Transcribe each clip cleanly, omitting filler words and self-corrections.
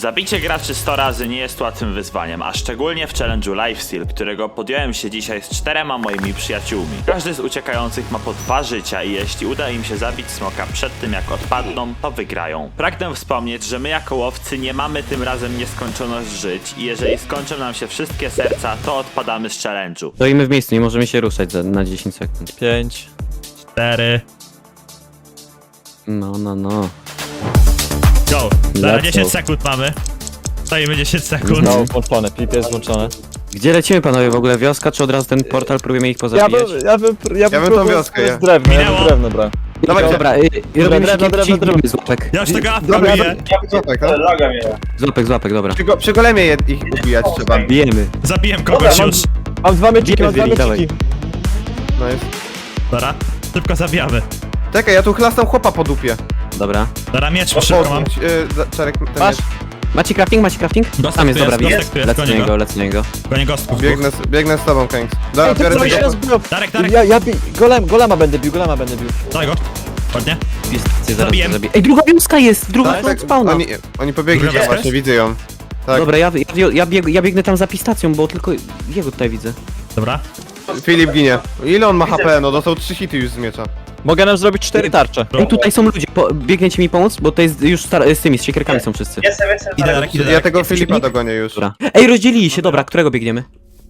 Zabicie graczy 100 razy nie jest łatwym wyzwaniem, a szczególnie w challenge'u Lifesteal, którego podjąłem się dzisiaj z 4 moimi przyjaciółmi. Każdy z uciekających ma po 2 życia i jeśli uda im się zabić smoka przed tym jak odpadną, to wygrają. Pragnę wspomnieć, że my jako łowcy nie mamy tym razem nieskończoność żyć i jeżeli skończą nam się wszystkie serca, to odpadamy z challenge'u. Stoimy w miejscu, nie możemy się ruszać na 10 sekund. 5, 4, No. go. Let's Zaraz 10 go. sekund mamy. Stoimy 10 sekund. No, włączone, PIP jest włączone. Gdzie lecimy panowie w ogóle? Wioska czy od razu ten portal próbujemy ich Ja pozabijać? bym tą próbował wioskę, z drewno, ja Minęło. bym drewno brałem. Dawajcie. Dobra, robimy się drewno. z łapek. Ja już tego apka Dobra, biję. Złapek, no? Z łapek, dobra. Przy golemie ich ubijać trzeba. Bijemy. Zabiłem kogoś już. Mam 2 mecziki, mam 2 Bijemy, dawaj. mecziki. No jest. Dobra, szybko zabijamy. Czekaj, ja tu chlastam chłopa po dupie. Dobra. Dobra, miecz szybko mam. Czarek, ten Masz? miecz. Macie crafting? Dostęp Tam jest, tu dobra, jest, widzę. dostęp tu jest, Lecę gonię go. na niego. Koniec gostków. Biegnę z tobą, Kanks. Dobra, Ej, to biorę co się tego. rozbiło? Darek, Golema będę bił. daj go. Ładnie. Pistację zaraz Zabiłem. to zabiję. Ej, druga wioska jest! Druga Tak, od tak, spawna. oni pobiegli Druga tam wioska właśnie, widzę ją. Tak. Dobra, ja biegnę tam za pistacją, bo tylko jego tutaj widzę. Dobra. Filip ginie. Ile on ma HP? No dostał 3 hity już z miecza. Mogę nam zrobić 4 tarcze. Ej, tutaj są ludzie, biegniecie mi pomóc? Bo to jest już z tymi, z siekierkami są wszyscy. Idę Darek, idę Ja Darek. tego Filipa dogonię już. Dobra. Ej, rozdzielili się, dobra, którego biegniemy?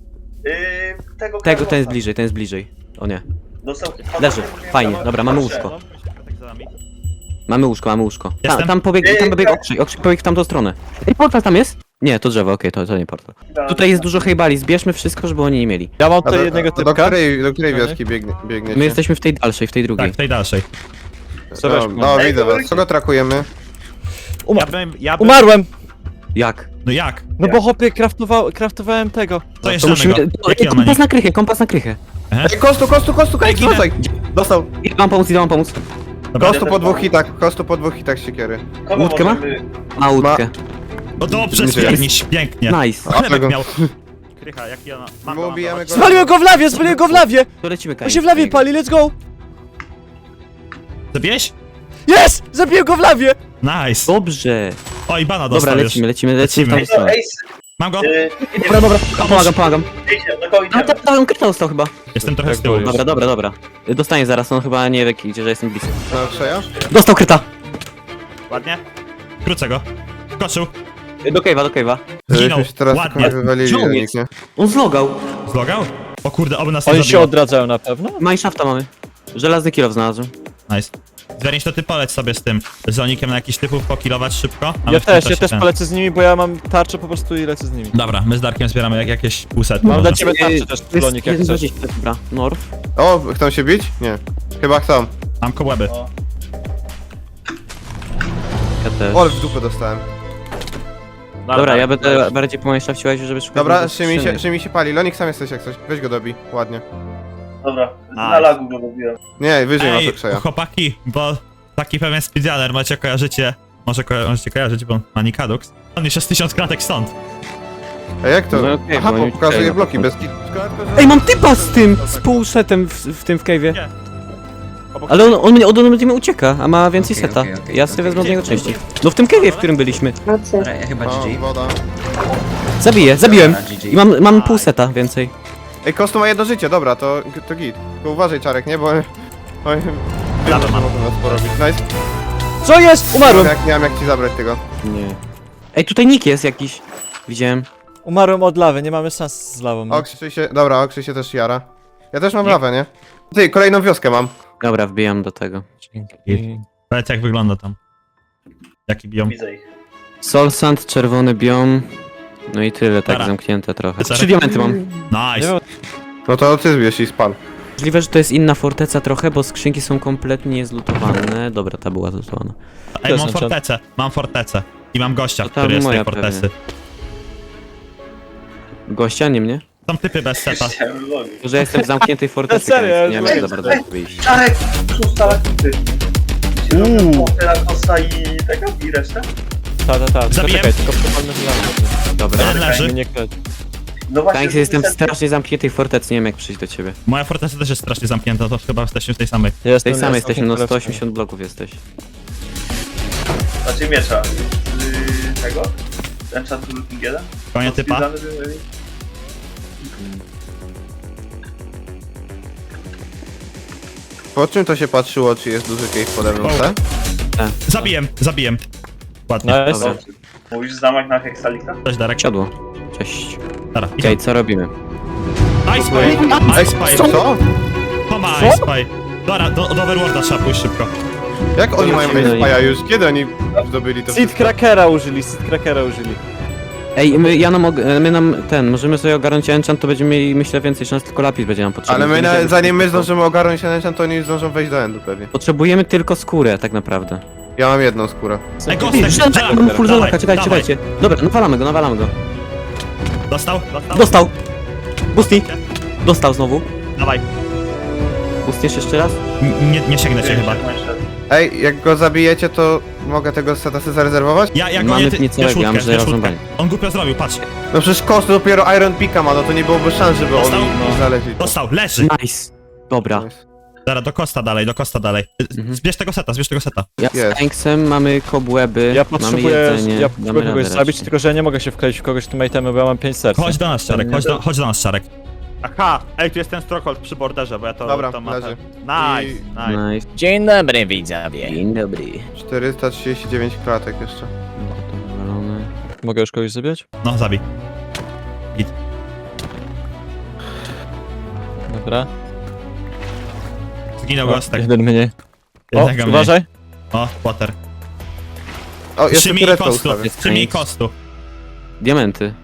Tego Ten jest bliżej, O nie. Dostał... Leży, fajnie, dobra, mamy łóżko. Mamy łóżko. Jestem. Tam pobiegł Okrzyk pobiegł w tamtą stronę. Ej, portal tam jest? Nie, to drzewo, okej, to nie portal. Tutaj jest dużo hejbali, zbierzmy wszystko, żeby oni nie mieli. Ja mam A tutaj jednego do typka. której wioski biegniecie? My jesteśmy w tej dalszej, w tej drugiej. Tak, w tej dalszej. No, widzę was. Kogo trakujemy? Umarłem! Jak? No jak? No bo hopie, craftowałem tego. To jeszcze To musimy... jednego. Jaki on ma Kompas na krychę. Ej, kostu, Kanks, ginę. rzucaj! Dostał. Idę wam pomóc. Kostu po 2 hitach siekiery. Łódkę ma? Ma łódkę. No dobrze, Nie żyje. spierniś, pięknie. Nice. Chlebek tego. miał. Krycha, jaki ona... Mam My go, ubijamy go. Spaliłem go w lawie! To lecimy, On się w lawie pali, let's go! Zabiłeś? Jest! Zabiłem go w lawie! Nice. Dobrze. O, i bana Dobra, dostał już. lecimy w tą stronę. Mam go. Dobra, pomagam. Do kogo A, idziemy? on kryta dostał chyba. Jestem trochę z tyłu już. Dobra. Dostanie zaraz, on chyba nie wie gdzie, że jestem blisko. No, Krzeja? Dostał kryta! Ładnie. Krócę go. Skoczył. Do cave'a. Zginął. Żeśmy się teraz Ładnie. tylko wywalili, Gdzie on nikt, jest? nie? On zlogał. Zlogał? O kurde, oby nas nie Oni się zabiło. odradzają na pewno? Mineshafta mamy. Żelazny kilof znalazłem. Nice. Zwiernić to ty poleć sobie z tym zonikiem na jakiś typów pokilować szybko. a my Ja w tym też czasie ten. polecę z nimi, bo ja mam tarczę po prostu i lecę z nimi. Dobra, my z Darkiem zbieramy jakieś półsetki. Mam może. dla ciebie tarczę też, Plonik, jak chcesz. Dobra, North. O, chcą się bić? Nie. Chyba chcą. Mam kołeby. Ja też. O, w dupę dostałem. Dobra, ja będę bardziej po Mineshafcie żeby szukać... Dobra, skrzynek. Szymi się pali. Lonik sam jesteś jak coś. Weź go dobij. Ładnie. Dobra, na lagu go robiłem. Nie, wyżej ma to Ej, Krzeja. chłopaki, bo taki pewien speedrunner możecie możecie kojarzyć, bo ma Nikadux. On już jest 1000 kratek stąd. A jak to? No okej, Aha, bo oni pokazuje Krzeja bloki na bez pewno. kit. Ej, mam typa z tym! Z półsetem w tym w cave'ie. Nie. Ale on mnie ucieka, a ma więcej seta. Ja sobie wezmę od niego części. No w tym cave'ie, w którym byliśmy. Ja chyba O, GG. woda. Zabiłem. GG. I mam pół seta więcej. Ej, Kostu ma 1 życie, dobra, to git. Tylko uważaj, Czarek, nie? Bo... Oj, wiem, że mogą nas porobić. Nice. Co jest? Umarłem! Nie mam jak ci zabrać tego. Nie. Ej, tutaj nick jest jakiś. Widziałem. Umarłem od lawy, nie mamy szans z lawą. no. Okrzy się... Dobra, okrzy się też jara. Ja też mam lawę, nie? Ty, kolejną wioskę mam. Dobra, wbijam do tego. Powiedz jak wygląda tam. Jaki biją. Widzę ich. Soul Sand, czerwony biom. No i tyle, tak Dobra. zamknięte trochę. Dobra. 3 diamenty mam. Nice. No to ty zbierz i spal. Możliwe, że to jest inna forteca trochę, bo skrzynki są kompletnie zlutowane. Dobra, ta była zlutowana. Ej, mam jest fortecę. Mam fortecę. I mam gościa, To tam który jest z tej moja fortecy. Gościa, nie mnie? Są typy bez seta. Chciałem logi. To, że jestem w zamkniętej fortecy, Serio, więc nie ja mogę już za bardzo wyjść. Czarek, szósta lakity. Kosta i tego i resztę? Ta. Zabiłem. Czekaj, tylko przepalmy z lawy. Dobra. Jeden leży. Nie kleć. No właśnie. Tak, jestem w strasznie zamkniętej fortecy, nie wiem jak przyjść do ciebie. Moja forteca też jest strasznie zamknięta, to chyba jesteśmy w tej samej. W tej samej jesteśmy, no 180 bloków jesteś. Znaczy miecza. Tego? enchant Looking 1? Konie typa. Po czym to się patrzyło, czy jest duży cave pode mną, tak? Zabijem. Ładnie. Nice. Dobra. Mówisz zamek na Hexalika? Cześć Darek. Siodło. Cześć. Dobra, Okej, co robimy? Ice Spy! Ej, Ice Spy! co? Toma Ice Spy! Dobra, do Overworlda trzeba pójść szybko. Jak oni mają Zobaczymy. Spaja już? Kiedy oni zdobyli to Seed wszystko? Crackera użyli, Seed Crackera użyli. Ej, możemy sobie ogarnąć enchant, to będziemy mieli, myślę, więcej szans, tylko lapis będzie nam potrzebny. Ale my, zanim my zdążymy ogarnąć ten enchant, to oni już zdążą wejść do endu pewnie. Potrzebujemy tylko skórę, tak naprawdę. Ja mam jedną skórę. Ej, Ej, Gostek, mam full zonaka, dawaj. czekajcie. Dobra, nawalamy go. Dostał? Dostał! Busti! Dostał znowu. Dawaj. Bustiesz jeszcze raz? Nie sięgnę cię chyba. Ej, jak go zabijecie, to mogę tego seta sobie zarezerwować? Ja go Mamy nie nic całego, ja mam łódkę. rozrąbanie. On głupio zrobił, patrz. No przecież Kost dopiero Iron Pika ma, no to nie byłoby szans, żeby Dostał? oni znaleźli. Dostał, leży. Nice. Dobra. Zaraz, do Kosta dalej. Mhm. Zbierz tego seta. Ja Jest. z Tanksem mamy kobłęby, Ja mamy potrzebuję, jedzenie, ja damy potrzebuję kogoś radę zabić, raczej. tylko że ja nie mogę się wkleić w kogoś tym itemem, bo ja mam 5 serc. Chodź do nas, Czarek, chodź do nas, Czarek. Aha, ej, tu jest ten Strockhold przy borderze, bo ja to... Dobra, to leży. Nice, I- nice. Nice. Dzień dobry widzowie. Dzień dobry. 439 klatek jeszcze. No to wywalone. Mogę już kogoś zabić? No, zabij. Dobra. Zginął O, Gostek. jeden mniej. O, Jednego mniej. uważaj. O, Potter. O, jeszcze Trzymi turetkę kostu. ustawię. Trzymi kostu. Diamenty.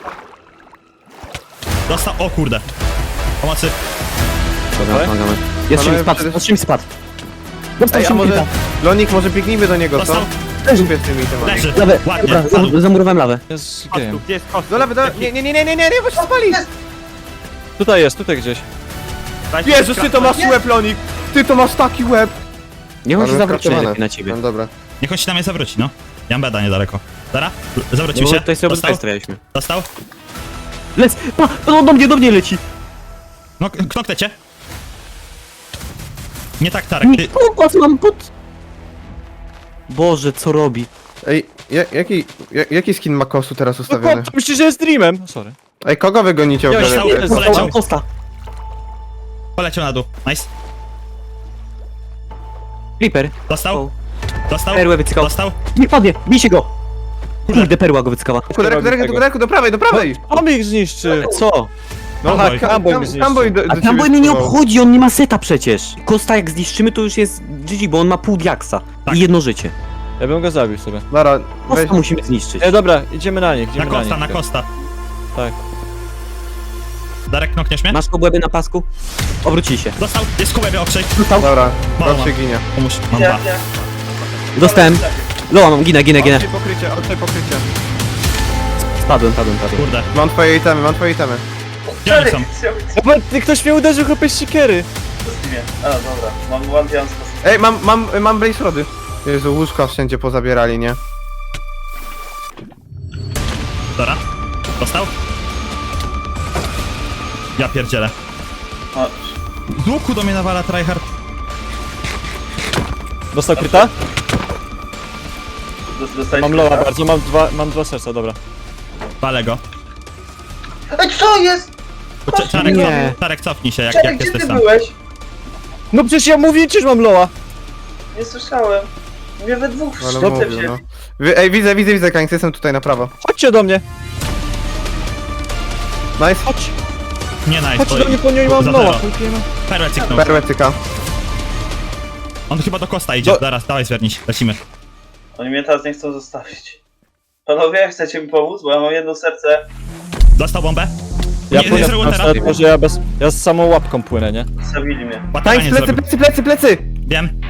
Dostał, o kurde. Pomocy. Dobra, Dawaj. pomagamy. Jeszcze mi Panowie, spadł, przecież- jeszcze mi spadł. Dostał Ej, a się może... Lonik, może biegnijmy do niego, co? Dostał, Kupię z tymi temami. leży. Lawę, Ładnie, dobra, padł. zamurowałem lawę. Jest Kostu, game. gdzie jest Kostu? Do lewy, nie, bo się spali! Tutaj jest, tutaj gdzieś. Jezus, ty to masz łeb, Lonik! Ty to masz taki łeb! Nie chodź Ale zawrócić skraftowane. najlepiej na ciebie. No dobra. Niech on się na mnie zawróci, no. Ja mam beda niedaleko. Dobra, zawrócił No, się. tutaj sobie Dostał, obydwaj stawialiśmy. dostał. Lec! Pa! No, do mnie leci! No, knoknę cię. Nie tak, Tarek, ty... Popatrz, mam pod... Boże, co robi? Ej, jaki skin ma Kostu teraz No ustawiony? chłop, myślisz, że jest dreamem? Sorry. Ej, kogo wy gonicie Ja ogólnie? już tam- poleciał. Kosta. Poleciał na dół. Nice. Creeper. Dostał. Dostał. Perłę wycykał. Dostał. Nie padnie, bijcie go! Kurde, perła go wycykała. Do prawej! On ich zniszczy! Co? No Cowboy. tak, Cowboy mi zniszczy. Cowboy do A ciebie Cowboy mnie nie spływał. obchodzi, on nie ma seta przecież. Kosta jak zniszczymy, to już jest GG, bo on ma pół diaksa. Tak. I jedno życie. Ja bym go zabił sobie. Dobra, weź... Kosta musimy zniszczyć. Dobra, idziemy na nich, Na idziemy na Kosta, nich. na Kosta. Tak. Darek, knokniesz mnie? Masz kobłęby na pasku? Obrócij się. Dostał. Jest kołebie okrzej. Dobra, Mała. Kot się ginie. Pomóż. Mam dwa. Dostałem. Loa mam, ginę. Odczej pokrycie. Spadłem. Kurde. Mam twoje itemy. Gdzie oni są? Ktoś mnie uderzył chłopie z siekiery. A, dobra. Mam one pian z Ej, mam blaze rody. Jezu, łóżka wszędzie pozabierali, nie? Dobra. Dostał. Ja pierdzielę. O, Z łuku do mnie nawala tryhard. Dostał kryta? dostałeś Mam loa kryta? bardzo, mam dwa serca, dobra. Walę go. Ej, co jest? Czarek, Nie. Czarek, cofnij się, jak Czekaj, gdzie jesteś ty sam. byłeś? No przecież ja mówię ci, że mam loa! Nie słyszałem. Mnie we dwóch Ale szczypce mówił, wzięli. no. Ej, widzę, Kańc, jestem tutaj na prawo. Chodźcie do mnie! Nice. Chodź! Nie nice, Chodźcie bo do mnie, po niej mam za loa! zero. Chłopie, no. Perłę cyknął. Perłę cyka. On chyba do Kosta idzie. Zaraz, dawaj zwiernić. Lecimy. Oni mnie teraz nie chcą zostawić. Panowie, chcecie mi pomóc? Bo ja mam jedno serce. Dostał bombę? Ja Nie płynę zrobił na teraz. to, że ja z samą łapką płynę, nie? Zabili mnie. Ładowanie Kańc, zrobił. plecy! Wiem.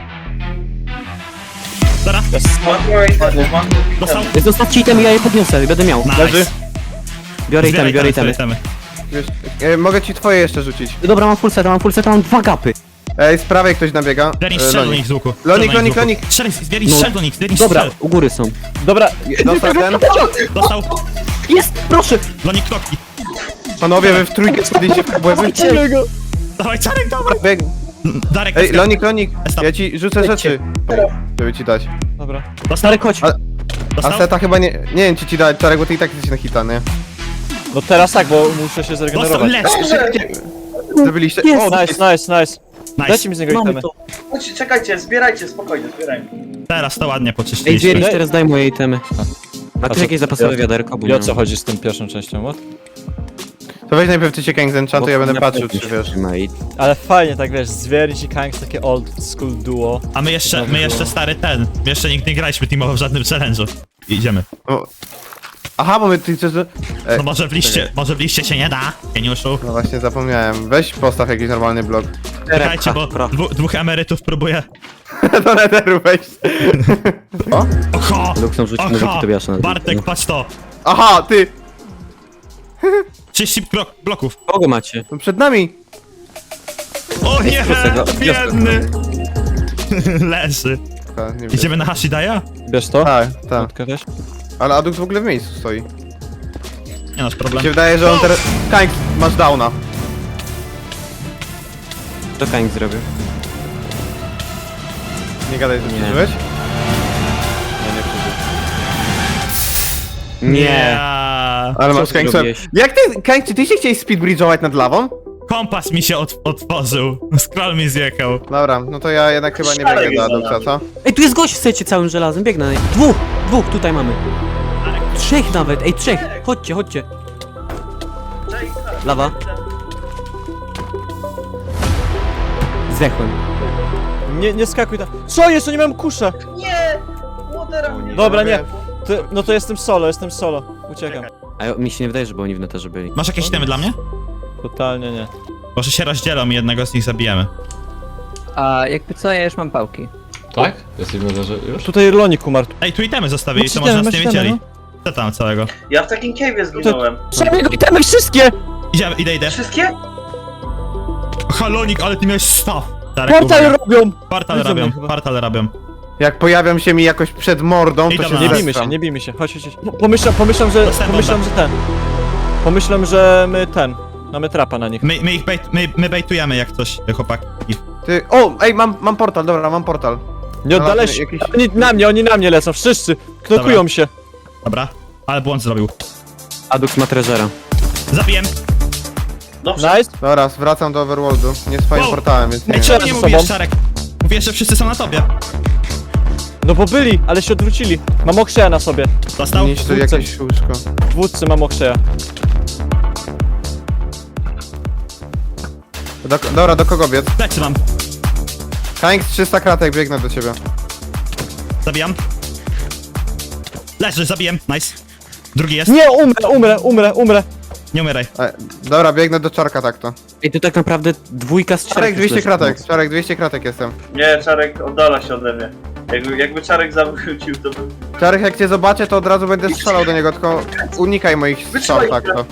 Dobra, Mam biorę itemy, mam dostał. Zostawcie itemy, ja je podniosę, będę miał. Nice. Leży. Biorę Zbieraj itemy. itemy. Wiesz, mogę ci twoje jeszcze rzucić. Dobra, mam full seta, mam 2 gapy. Ej, z prawej ktoś nabiega. Zwiernić strzel do nich z łuku. Lonik. Zwiernić No. strzel do nich, zwiernić Dobra, strzel. u góry są. Dobra, Dostał ten. Dostał. Jest, proszę! Lonik knokki. Panowie, wy w trójkę spadliście w kabłęby. idziemy go! Dawaj, Czarek, dawaj. Darek, Ej, Lonik, Stop. ja ci rzucę rzeczy, żeby ci dać. Dobra. dostał. Starek, chodź. A Dostał? seta chyba nie wiem czy ci dać czarek, bo ty i tak jesteś na hita, nie? No teraz tak, bo muszę się Dostał, zregenerować. lecz! Zrobiliście... Jest. O, Nice, nice, nice. Nice. Dajcie mi z niego Mamy itemy. to. Chodźcie, czekajcie, zbierajcie, spokojnie, zbierajmy. Teraz to ładnie Ej, poczyściliśmy. Dziewięć, teraz daj moje itemy. A co- ty jakieś zapasowe wiaderko? Bo I o nie co mam. chodzi z tym pierwszą częścią, what? To weź najpierw ty się Kang z enchantu, ja będę patrzył czy wiesz. Ale fajnie, tak wiesz, Zwierć i Kangs, takie old school duo. A my jeszcze stary ten. My jeszcze nigdy nie graliśmy teamowo w żadnym challenge'u. Idziemy. O. Aha, bo my ty chcesz... No może w liście się nie da, geniuszu. No właśnie zapomniałem. Weź postaw jakiś normalny blok. Czekajcie, bo dwóch emerytów próbuje. Do netheru weź. O? Oho! Luxon rzuć mówi, Oho! to wiesz na Bartek, patrz to! Aha, ty! 30 bloków. Kogo macie? No przed nami! O nie! prostego. Biedny! Leży. A, nie wiem. Idziemy na Hashidaya? Bierz to? Tak, tak. Matkę weź. Ale Adux w ogóle w miejscu stoi. Nie masz Mi problem. się wydaje, że on teraz... Kang, masz downa. To Kang zrobił. Nie gadaj, że Nie. przeżyłeś? Nie, nie przeżył. Nie. Ale Co masz ty Kang robiłeś? Jak ty, Kang, czy ty się chciałeś speedbridge'ować nad lawą? Kompas mi się otworzył. Scroll mi zjechał. Dobra, no to ja jednak chyba nie Szalek biegnę do jest za Aduxa, co? Ej, tu jest gość w secie całym żelazem, biegnę na nie. Dwóch tutaj mamy. Trzech nawet, ej, trzech. Chodźcie, chodźcie. Lawa. Zdechłem. Nie skakuj tam. Co jest? To nie mam kusza. Nie! Łotera mnie. Dobra, nie. No to jestem solo. Uciekam. A mi się nie wydaje, żeby oni w neterze byli. Masz jakieś temy dla mnie? Totalnie nie. Może się rozdzielą i jednego z nich zabijemy. A jakby co, ja już mam pałki. Tak? Jesteśmy leży już? Tutaj Lonik umarł. Ej, tu itemy zostawili, Masz to może itemy, nas nie masz itemy, wiedzieli. Co tam całego? Ja w takim cave'ie zginąłem. Trzeba jego itemy wszystkie! Idę. Wszystkie? Halonik, ale ty miałeś staw. Darek, Portal uwaga. robią! Portal Widzą robią, mnie chyba. portal robią. Jak pojawiam się mi jakoś przed mordą, Ej, to dobra, się Nie bijmy zestram. się, nie bijmy się. Chodź. Pomyślam, że Dostałem Pomyślam, że my mamy trapa na nich. My bejtujemy jak coś, chłopaki. Ty, o, ej, mam portal, dobra, mam portal. Nie oddalaj się. Jakiś... Oni na mnie lecą, wszyscy. Knokują Dobra. się. Dobra, ale błąd zrobił. Adux ma treżera. Zabiję. Dobrze. Nice. Dobra, wracam do Overworldu. Nie swoim Wow. portalem, więc nie Ej, wiem. czemu nie ze mówisz, sobą. Czarek? Mówię, że wszyscy są na tobie. No bo byli, ale się odwrócili. Mam okrzeja na sobie. Dostał? Niszcz tu jakieś łóżko. W wódce mam okrzeja. Dobra, do kogo biec? Plecy mam. Kang 300 kratek, biegnę do ciebie. Zabijam. Leży, zabiję. Nice. Drugi jest. Nie, umrę. Nie umieraj. Dobra, biegnę do Czarka tak to. Ej, tu tak naprawdę dwójka z Czarek czterech 200 leży. kratek, Czarek 200 kratek jestem. Nie, Czarek oddala się ode mnie. Jakby Czarek zawrócił, to by... Czarek, jak cię zobaczę, to od razu będę strzelał do niego, tylko unikaj moich strzał, tak to.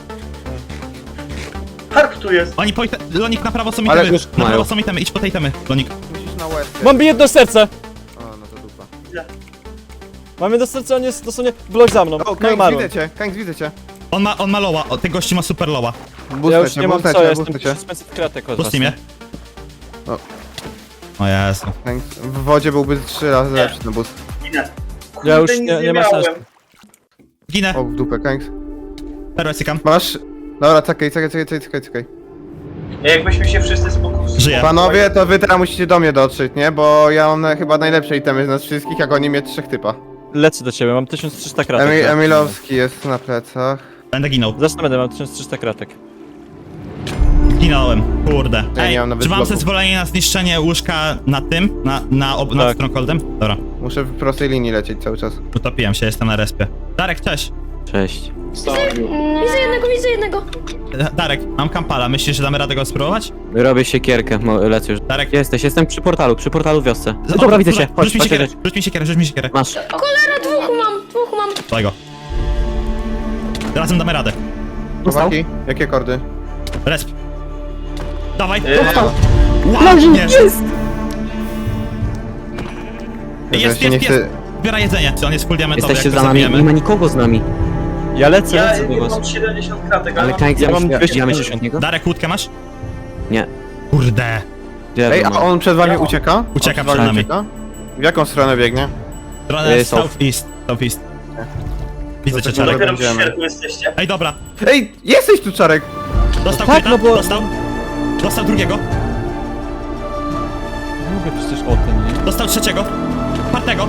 Harp tu jest! Oni Lonik, na prawo są Ale itemy. już Na prawo mają. są itemy, idź po tej itemy, Lonik. Musisz na łeb. Mam jedno serce. O, no to dupa. Mam jedno serce, on jest dosłownie blok za mną. O, No i Kang, umarłem. widzę cię, Kang, widzę cię. On ma loła, ten gości ma super loła. Ja Boostę już cię, nie mam boostę co, cię, jestem boostę cię. 600 kratek od Pusti mnie. O. O Jezu. Kang, w wodzie byłby 3 razy lepszy ten boost. Ginę. Ja już Kurde, nic nie ma miałem. sensu. Ginę. O, w dupę, Kang. Teraz cykam. Masz... Dobra, czekaj. Jakbyśmy się wszyscy spokusili. Żyję. Panowie, to wy teraz musicie do mnie dotrzeć, nie? Bo ja mam chyba najlepsze itemy z nas wszystkich, jak oni mnie 3 typa. Lecę do ciebie, mam 1300 kratek. Emilowski jest na plecach. Będę ginął. Zresztą będę, mam 1300 kratek. Ginąłem. Kurde. Ja Ej, nie mam nawet czy mam bloków. zezwolenie na zniszczenie łóżka nad tym? Nad Tak. Strongholdem? Dobra. Muszę w prostej linii lecieć cały czas. Utopiłem się, jestem na respie. Darek, cześć. Cześć. Widzę jednego. Darek, mam kampala. Myślisz, że damy radę go spróbować? Robię siekierkę, lecę już. Darek. Jestem przy portalu w wiosce. Dobra, widzę cię. Chodź, Rzuć mi siekierę. Masz. Dwóch mam. Daj go. Razem damy radę. Chłopaki, jakie kordy? Resp. Dawaj. Dostał. Ładnie. Ja Jest. się nie chcę... Zbiera jedzenie. Czy on jest full diamentowy, Jesteście jak go za nami, zabijemy? nie ma nikogo z nami. Ja lecę Ja do was. mam 70 kratek, ale Ale mam... Kang, Ja mam ja 250 od niego? Darek, łódkę masz? Nie. Kurde. Gdzie Ej, ja a to mam? on przed wami ucieka? Ucieka On przed przed wami nami. ucieka? W jaką stronę biegnie? Stronę South. southeast. Widzę cię, tak Czarek. dalej. Dopiero w będziemy. świerku jesteście. Ej, dobra. Ej, jesteś tu, Czarek! Dostał tak, kryta, no bo- dostał. Dostał drugiego. Mówię przecież o tym, nie? Dostał trzeciego. Czwartego.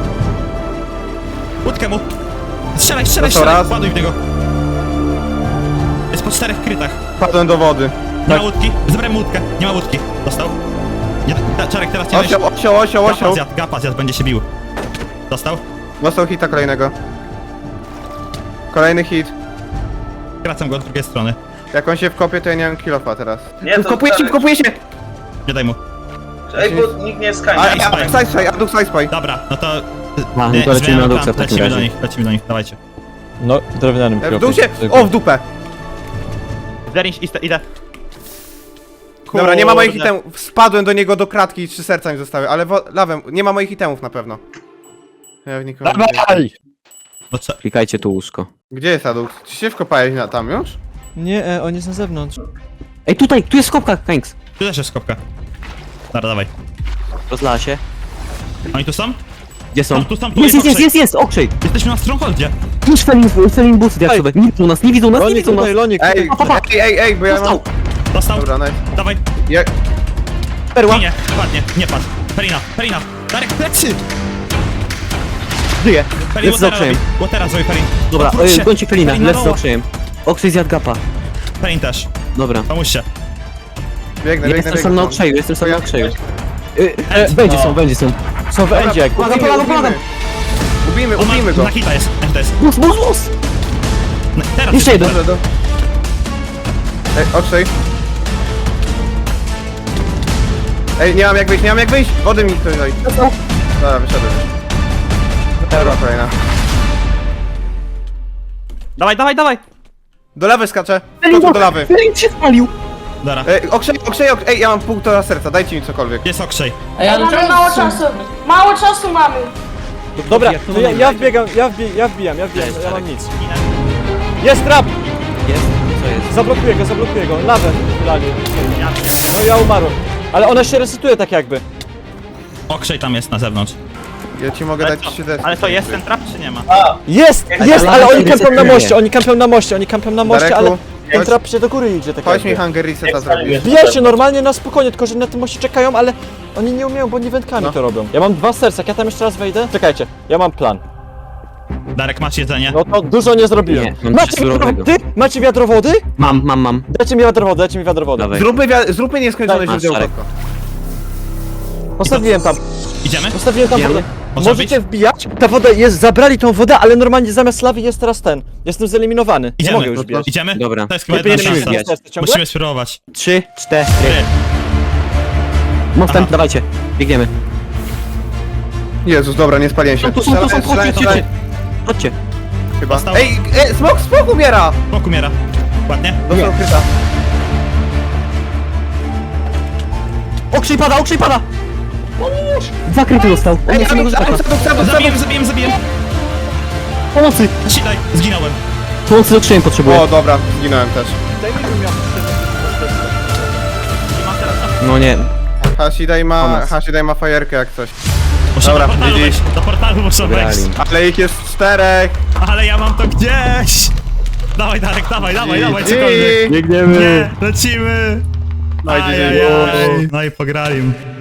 Łódkę mu. Strzelaj, strzelaj, Dostał strzelaj. raz. Ładuj w niego. Jest po 4 krytach. Padłem do wody. Nie ma łódki. Zebrałem łódkę. Nie ma łódki. Dostał. Nie, Czarek, teraz nie weź. Osioł. Gapa zjadł, będzie się bił. Dostał. Dostał hita kolejnego. Kolejny hit. Kracam go od drugiej strony. Jak on się wkopie, to ja nie mam kilofa teraz. Nie, to Wkopuje się, Czarek. wkopuje się! Nie daj mu. Ej, bo nikt nie jest kańca. Aduk Sidespy. Dobra, no to... A, nie, to lecimy zmieniamy na plan. duksa w takim Lecimy do razie. nich, lecimy do nich, dawajcie. No, drewnianym W dół się... kropem. O, w dupę! Zeriń, idę. Dobra, nie ma moich itemów. Spadłem do niego do kratki i 3 serca mi zostały, ale lawem, nie ma moich itemów na pewno. Ja w nikogo nie widzę. Dawaj! No co? Klikajcie tu łóżko. Gdzie jest Aduk? Czy się wkopałeś tam już? Nie, on jest na zewnątrz. Ej, tutaj, tu jest skopka, Kanks. Tu też jest skopka. Dobra, dawaj. Rozlała się. Oni tu są? Gdzie są? Tu są, tu Jest, jest jest, Okrzyk. jest, Okrzyj! Jesteśmy na Strongholdzie. Już Felin busy diaksowe. Nie widzą nas, nie widzą nas, nie Lonik widzą nas. tutaj, Lonik. Ej, ej, bo ja mam... Dostał. Dostał. Dobra, nice. Dawaj. Ja... Perła. Nie, ładnie, nie patrz. Perina. Darek, plecy! Żyje. Perin, Lecę z Okrzyjem. Watera zrobi Perin. Dobra, Odwróć się. gońcie Felina, Perin na lecę z roła. Okrzyjem. Okrzyj zjadł gapa. Perin też. Dobra. Pomóżcie. Biegnę, Ja biegnę, jestem sam na Okrzeju, jestem sam na Okrzeju. Będzie No. są, będzie są. Są w endzie. Pomagam. Ubijmy go. Na hita jest, na hita jest. Bus, bus, bus! Teraz Jeszcze jeden. Dobrze, Ej, Okrzyj. Ej, nie mam jak wyjść, Wody mi ktoś daj. Dobra, wyszedłem. Dobra, kolejna. Dawaj. Do lawy skaczę. Skoczę do lawy. Felin się spalił. Dobra. Okrzyj, ej, ja mam 1,5 serca, dajcie mi cokolwiek. Jest Okrzej. Mamy mało czasu. Mało czasu mamy. Dobra, to ja wbiegam, ja wbijam, ja mam nic. Jest trap! Jest? Co jest? Zablokuję go, lawę wylali. No ja umarłem. Ale ona się resetuje tak jakby. Okrzej tam jest na zewnątrz. Ja ci mogę dać 3 desy. Ale to jest ten trap czy nie ma? Jest, lawa ale się oni kampią na resetuje. moście, oni kampią na moście, ale Dareku, ten trap się do góry idzie tak chodź mi jakby. hunger reseta zrobić. Wbijaj się normalnie na spokojnie, tylko że na tym moście czekają, ale oni nie umieją, bo nie wędkami No. to robią. Ja mam 2 serca, jak ja tam jeszcze raz wejdę? Czekajcie, ja mam plan. Darek, masz jedzenie? No to dużo nie zrobiłem. Nie, mam Macie coś surowego. wiadrowody? Macie wiadrowody? Mam. Dajcie mi wiadrowody. Dawaj. Zróbmy nieskończone Daj, źródełko. Czarek. Postawiłem tam Idziemy? wodę. Można Możecie wbijać? Ta woda jest, zabrali tą wodę, ale normalnie zamiast lawy jest teraz ten. Jestem zeliminowany. Nie Idziemy. mogę już wbijać. Idziemy? Dobra. To jest chyba Lepiej jedna nie musimy szansa. wbijać. serce ciągle? Musimy spróbować. 3, 4. Ty. Mostem, Aha. dawajcie. Biegniemy. Jezus, dobra, nie spaliłem się. Tu są, chodźcie. Chodźcie. Chyba. Dostał. Ej, smok umiera! Smok umiera. Ładnie? Dostał kryta. Okrzyj pada! Dwa kryty dostał. On Ej, jest samego życia. Zabijem. Pomocy! Sidaj, zginąłem. Pomocy z Okrzyjem potrzebuję. O, dobra, zginąłem też. No nie. Hashidai ma fajerkę jak coś. Muszę Dobra, do portalu GG. wejść. Do portalu muszę wejść. Wygrali. Ale ich jest 4! Ale ja mam to gdzieś. Dawaj Darek, dawaj, cokolwiek. GG. Biegniemy. Nie, lecimy. No i GG. Ajajaj. No i pograli.